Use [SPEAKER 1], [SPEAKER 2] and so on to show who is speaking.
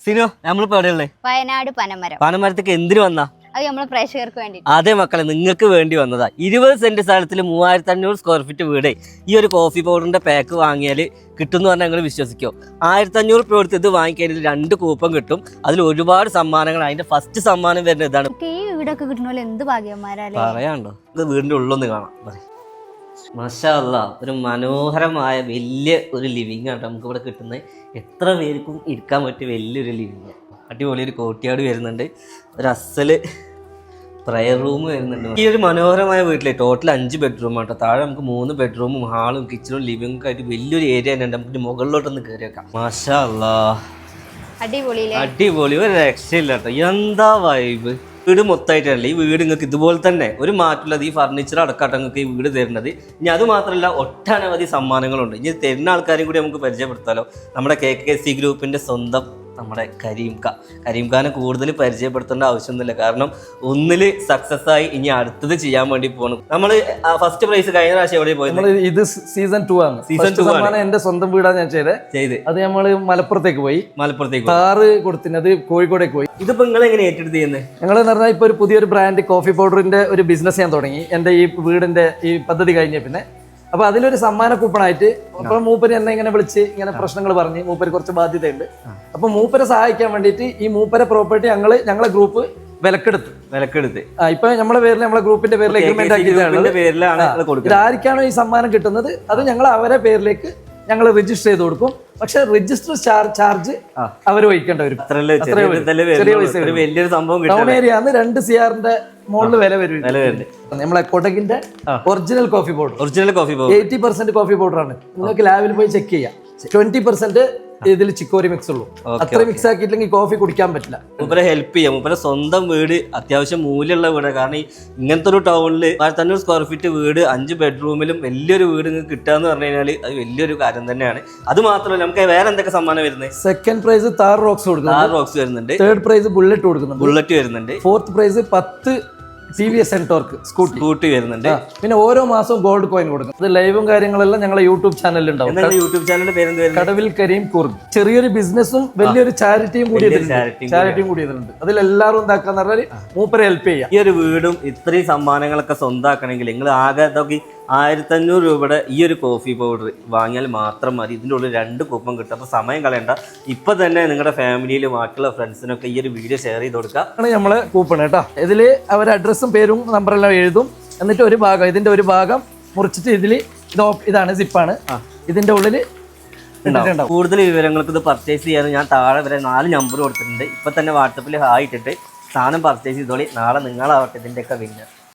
[SPEAKER 1] സിനോ നമ്മളിപ്പോ എവിടെയുള്ളേ?
[SPEAKER 2] വയനാട് പനമരം.
[SPEAKER 1] പനമരത്തേക്ക് എന്തിനു വന്നാ?
[SPEAKER 2] അത് നമ്മളെ പ്രേക്ഷകർക്ക് വേണ്ടി.
[SPEAKER 1] അതെ മക്കളെ, നിങ്ങൾക്ക് വേണ്ടി വന്നതാ. 20 സെന്റ് സ്ഥലത്തിൽ 3500 സ്ക്വയർ ഫീറ്റ് വീട് ഈ ഒരു കോഫി പൗഡറിന്റെ പാക്ക് വാങ്ങിയാൽ കിട്ടുമെന്ന് പറഞ്ഞാൽ നിങ്ങൾ വിശ്വസിക്കോ? 1500 രൂപ കൊടുത്ത് ഇത് വാങ്ങിക്കഴിഞ്ഞാൽ 2 കൂപ്പൺ കിട്ടും. അതിൽ ഒരുപാട് സമ്മാനങ്ങൾ. അതിന്റെ ഫസ്റ്റ് സമ്മാനം വരുന്നത് ഇതാണ്.
[SPEAKER 2] ഈ വീടൊക്കെ കിട്ടണ എന്ത് ഭാഗ്യന്മാരല്ലേ.
[SPEAKER 1] പറയാണ്ടോ, ഇത് വീടിന്റെ ഉള്ളൊന്ന് കാണാം. മാഷാ അല്ലാഹ്, ഒരു മനോഹരമായ വലിയ ഒരു ലിവിങ് ആണ് നമുക്ക് ഇവിടെ കിട്ടുന്നത്. എത്ര പേർക്കും ഇരിക്കാൻ പറ്റിയ വലിയൊരു ലിവിങ്. അടിപൊളി ഒരു കോർട്ട്യാർഡ് വരുന്നുണ്ട്, ഒരു അസല് പ്രയർ റൂം വരുന്നുണ്ട്. ഈ ഒരു മനോഹരമായ വീട്ടിലെ ടോട്ടൽ 5 ബെഡ്റൂം ആട്ടോ. താഴെ നമുക്ക് 3 ബെഡ്റൂമും ഹാളും കിച്ചണും ലിവിംഗ് ഒക്കെ ആയിട്ട് വലിയൊരു ഏരിയ തന്നെ ഉണ്ട്. നമുക്ക് മുകളിലോട്ടൊന്ന് കയറി വെക്കാം. മാഷാ അല്ലാഹ്, അടിപൊളി, ഒരു രക്ഷയില്ല കേട്ടോ. എന്താ വൈബ്. വീട് മൊത്തമായിട്ടല്ലേ ഈ വീട് നിങ്ങൾക്ക് ഇതുപോലെ തന്നെ ഒരു മാറ്റമില്ലാതെ ഈ ഫർണിച്ചർ അടക്കാട്ടോ നിങ്ങൾക്ക് ഈ വീട് തരുന്നത്. ഇനി അത് മാത്രമല്ല, ഒട്ടനവധി സമ്മാനങ്ങളുണ്ട്. ഇനി തരുന്ന ആൾക്കാരും കൂടി നമുക്ക് പരിചയപ്പെടുത്താലോ. നമ്മുടെ KKC ഗ്രൂപ്പിന്റെ സ്വന്തം നമ്മുടെ കരീംഖാനെ കൂടുതൽ പരിചയപ്പെടുത്തേണ്ട ആവശ്യമൊന്നുമില്ല. കാരണം ഒന്നില് സക്സസ് ആയി, ഇനി അടുത്തത് ചെയ്യാൻ വേണ്ടി പോകണം. നമ്മൾ ഫസ്റ്റ് പ്രൈസ് കഴിഞ്ഞ പ്രാവശ്യം എവിടെ പോയത്? ഇത്
[SPEAKER 3] സീസൺ 2 ആണ്. എന്റെ സ്വന്തം വീടാണ് ഞാൻ ചെയ്ത്. അത് നമ്മള് മലപ്പുറത്തേക്ക് പോയി. കാറ് കൊടുത്തിനത് കോഴിക്കോടേക്ക് പോയി.
[SPEAKER 1] ഇതിപ്പോ നിങ്ങൾ എങ്ങനെ ഏറ്റെടുത്ത് ചെയ്യുന്നത്?
[SPEAKER 3] ഞങ്ങൾ എന്ന് പറഞ്ഞാൽ ഇപ്പൊ ഒരു പുതിയൊരു ബ്രാൻഡ് കോഫി പൗഡറിന്റെ ഒരു ബിസിനസ് ഞാൻ തുടങ്ങി. എന്റെ ഈ വീടിന്റെ ഈ പദ്ധതി കഴിഞ്ഞ പിന്നെ അപ്പൊ അതിലൊരു സമ്മാന കൂപ്പണായിട്ട് അപ്പൊ മൂപ്പര് എന്നെ ഇങ്ങനെ വിളിച്ച് ഇങ്ങനെ പ്രശ്നങ്ങൾ പറഞ്ഞ് മൂപ്പര് കുറച്ച് ബാധ്യതയുണ്ട്. അപ്പൊ മൂപ്പരെ സഹായിക്കാൻ വേണ്ടിയിട്ട് ഈ മൂപ്പരെ പ്രോപ്പർട്ടി ഞങ്ങളെ ഗ്രൂപ്പ് വിലക്കെടുത്ത് ഇപ്പൊ നമ്മളെ പേരിൽ നമ്മളെ ഗ്രൂപ്പിന്റെ പേരിൽ എഗ്രിമെന്റ് ആക്കിയിട്ടാണ്. ആർക്കാണോ ഈ സമ്മാനം കിട്ടുന്നത് അത് ഞങ്ങൾ അവരെ പേരിലേക്ക് ഞങ്ങൾ രജിസ്റ്റർ ചെയ്ത് കൊടുക്കും. പക്ഷെ രജിസ്റ്റർ ചാർജ് അവർ വഹിക്കേണ്ട വരും. ടൗൺ ഏരിയ 2 CR മുകളിൽ വില വരും. നമ്മളെ കൊടകിന്റെ original coffee powder 80% coffee powder ആണ്. നിങ്ങൾക്ക് ലാബിൽ പോയി ചെക്ക് ചെയ്യാം. 20% ഇതിൽ ചിക്കോരി മിക്സ് ഉള്ളൂ. അത്ര മിക്സ് ആക്കിയില്ലെങ്കിൽ കോഫി കുടിക്കാൻ പറ്റില്ല.
[SPEAKER 1] മൂപ്പരെ ഹെൽപ്പ് ചെയ്യാം. മൂപ്പരെ സ്വന്തം വീട് അത്യാവശ്യം മൂല്യമുള്ള വീട്. കാരണം ഇങ്ങനത്തെ ഒരു ടൗണിൽ 1500 സ്ക്വയർ ഫീറ്റ് വീട് 5 ബെഡ്റൂമിലും വലിയൊരു വീട് നിങ്ങൾക്ക് കിട്ടുക എന്ന് പറഞ്ഞു കഴിഞ്ഞാൽ അത് വലിയൊരു കാര്യം തന്നെയാണ്. അത് മാത്രമല്ല, നമുക്ക് വേറെ എന്തൊക്കെ സമ്മാനം വരുന്നത്?
[SPEAKER 3] സെക്കൻഡ് പ്രൈസ് താർ റോക്സ്
[SPEAKER 1] വരുന്നുണ്ട്.
[SPEAKER 3] തേർഡ് പ്രൈസ് ബുള്ളറ്റ്
[SPEAKER 1] വരുന്നുണ്ട്.
[SPEAKER 3] Fourth prize 10 TVS NTorq
[SPEAKER 1] scooty വരുന്നുണ്ട്.
[SPEAKER 3] പിന്നെ ഓരോ മാസവും ഗോൾഡ് കോയിൻ കൊടുക്കും. ഇത് ലൈവും കാര്യങ്ങളെല്ലാം ഞങ്ങളെ യൂട്യൂബ് ചാനലിൽ ഉണ്ടാവും.
[SPEAKER 1] യൂട്യൂബ് ചാനലിന്റെ പേര്
[SPEAKER 3] കടവിൽ കരീം കൂർഗ്. ചെറിയൊരു ബിസിനസ്സും വലിയൊരു ചാരിറ്റിയും കൂടി ഇതിലുണ്ട്. അതിലെല്ലാവരും എന്താക്കാന്ന് പറഞ്ഞാൽ മൂപ്പരെ ഹെൽപ്പ് ചെയ്യാം.
[SPEAKER 1] ഈ ഒരു വീടും ഇത്രയും സമ്മാനങ്ങളൊക്കെ സ്വന്തമാക്കണമെങ്കിൽ നിങ്ങൾ ആകെ 1500 രൂപയുടെ ഈ ഒരു കോഫി പൗഡർ വാങ്ങിയാൽ മാത്രം മതി. ഇതിൻ്റെ ഉള്ളിൽ 2 കൂപ്പൺ കിട്ടും. അപ്പോൾ സമയം കളയണ്ട, ഇപ്പൊ തന്നെ നിങ്ങളുടെ ഫാമിലിയിലും ബാക്കിയുള്ള ഫ്രണ്ട്സിനൊക്കെ ഈ ഒരു വീഡിയോ ഷെയർ ചെയ്ത് കൊടുക്കുക.
[SPEAKER 3] നമ്മള് കൂപ്പൺ കേട്ടോ. ഇതില് അവരുടെ അഡ്രസ്സും പേരും നമ്പറെല്ലാം എഴുതും. എന്നിട്ട് ഇതിന്റെ ഒരു ഭാഗം മുറിച്ചിട്ട് ഇതാണ് സിപ്പാണ്. ഇതിന്റെ ഉള്ളിൽ
[SPEAKER 1] കൂടുതൽ വിവരങ്ങൾക്ക് ഇത് പർച്ചേസ് ചെയ്യാൻ ഞാൻ താഴെ വരെ 4 നമ്പർ കൊടുത്തിട്ടുണ്ട്. ഇപ്പൊ തന്നെ വാട്സപ്പിൽ ഹായ് ഇട്ടിട്ട് സാധനം പർച്ചേസ് ചെയ്തോളി. നാളെ നിങ്ങളാവട്ടെ ഇതിൻ്റെയൊക്കെ വിന്നർ.